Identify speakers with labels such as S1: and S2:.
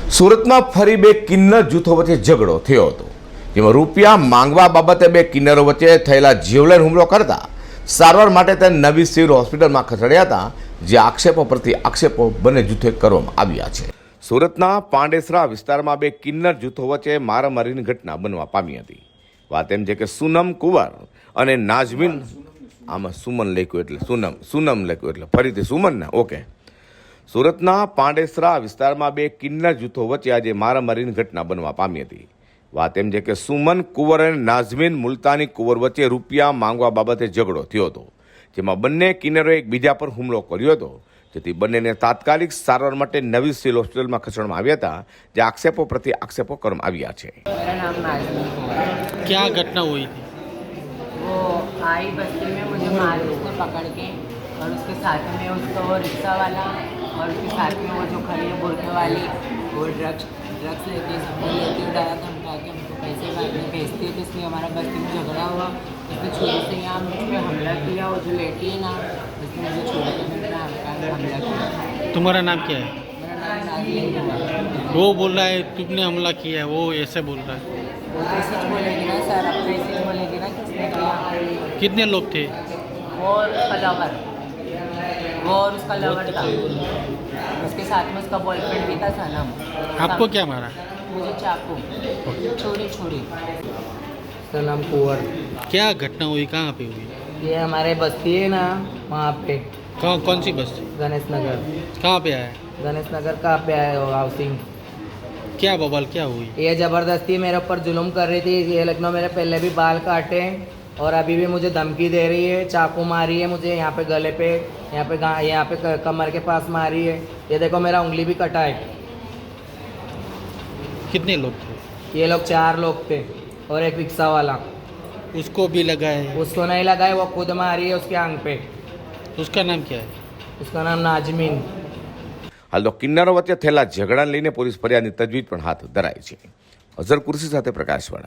S1: સુરતમાં ફરી બે કિન્નર જૂથો વચ્ચે ઝઘડો થયો હતો, જેમાં રૂપિયા માંગવા બાબતે બે કિન્નરો વચ્ચે થયેલા જીવલેણ હુમલો કરતા સારવાર માટે તેને નવી સિવિલ હોસ્પિટલમાં ખસેડ્યા હતા, જે આક્ષેપો પ્રતિ આક્ષેપો બંને જૂથોએ કરવામાં આવ્યા છે। સુરતના પાંડેસરા વિસ્તારમાં બે કિન્નર જૂથો વચ્ચે મારામારીની ઘટના બનવા પામી હતી। વાત એમ છે કે સુનમ કુંવર અને નાઝમીન, આમાં સુમન લખ્યું એટલે સુનમ લખ્યું એટલે ફરીથી સુમન ને ઓકે। સુરતના પાંડેસરા વિસ્તારમાં બે કિન્નર જૂથો વચ્ચે આજે મારામારીની ઘટના બનવા પામી હતી। વાત એમ છે કે સુમન કુંવર અને નાઝમીન મુલતાની કુંવર વચ્ચે રૂપિયા માંગવા બાબતે ઝઘડો થયો હતો, જેમાં બંને કિન્નરોએ એકબીજા પર હુમલો કર્યો હતો, જેથી બંનેને તાત્કાલિક સારવાર માટે નવી સિવિલ હોસ્પિટલમાં ખસેડવામાં આવ્યા હતા, જે આક્ષેપો પ્રતિ આક્ષેપો કરવામાં આવ્યા છે।
S2: मेरा नाम नाज़मीन कुंवर।
S3: क्या घटना हुई थी?
S2: वो आई बस्ती में मुझे मार उसने पकड़ के, और उसके साथ में उसका वो रिक्शा वाला और उसके साथ में वो जो खड़ी है बुरके वाली, वो ड्रग्स लेती है, सबको लेती है, डरा धमका के हमको पैसे बाद में भेजती है। तो इसलिए हमारा बस्ती में झगड़ा हुआ, उसने छुरी से यहाँ मुझ पर हमला किया। वो जो लेटी है ना, उसने मुझे छुरी के मेरे हमला किया।
S3: तुम्हारा नाम क्या है?
S2: मेरा नाम नाज़मीन कुंवर।
S3: वो बोल रहा है तुमने हमला किया है, वो ऐसे बोल रहा है।
S2: वो तो ऐसे बोलेगी ना सर, अब तो ऐसे बोलेगी ना किसने किया।
S3: कितने लोग थे?
S2: वो और उसका लवर, वो और उसका लवर था, उसके साथ में उसका बॉयफ्रेंड भी था सनम।
S3: आपको क्या मारा?
S2: मुझे चाकू छोड़ी
S4: सनम कुंवर।
S3: क्या घटना हुई, कहाँ पे हुई?
S4: ये हमारे बस्ती है ना, वहाँ पे
S3: कहाँ, कौन सी बस?
S4: गणेश नगर।
S3: कहाँ पे आया?
S4: गणेश नगर कहाँ पे आए हो? हाउसिंग।
S3: क्या बवाल क्या हुई?
S4: ये ज़बरदस्ती मेरे ऊपर जुल्म कर रही थी। ये लखनऊ मेरे पहले भी बाल काटे और अभी भी मुझे धमकी दे रही है, चाकू मारी है मुझे यहाँ पे गले पे, यहाँ पे कमर के पास मारी है। ये देखो मेरा उंगली भी कटा है।
S3: कितने लोग थे?
S4: ये लोग 4 लोग थे और एक रिक्शा वाला।
S3: उसको भी लगा है?
S4: उसको नहीं लगा है, वो खुद मारी है उसके आंग पे।
S3: उसका नाम क्या है?
S4: उसका नाम नाज़मीन।
S1: हाल तो किन्नरो वच्चे थયેલા ઝઘડાને લઈને પોલીસ ફરિયાદની તજવીજ પણ હાથ ધરાઈ છે। અઝર કુર્સી સાથે પ્રકાશવાળા।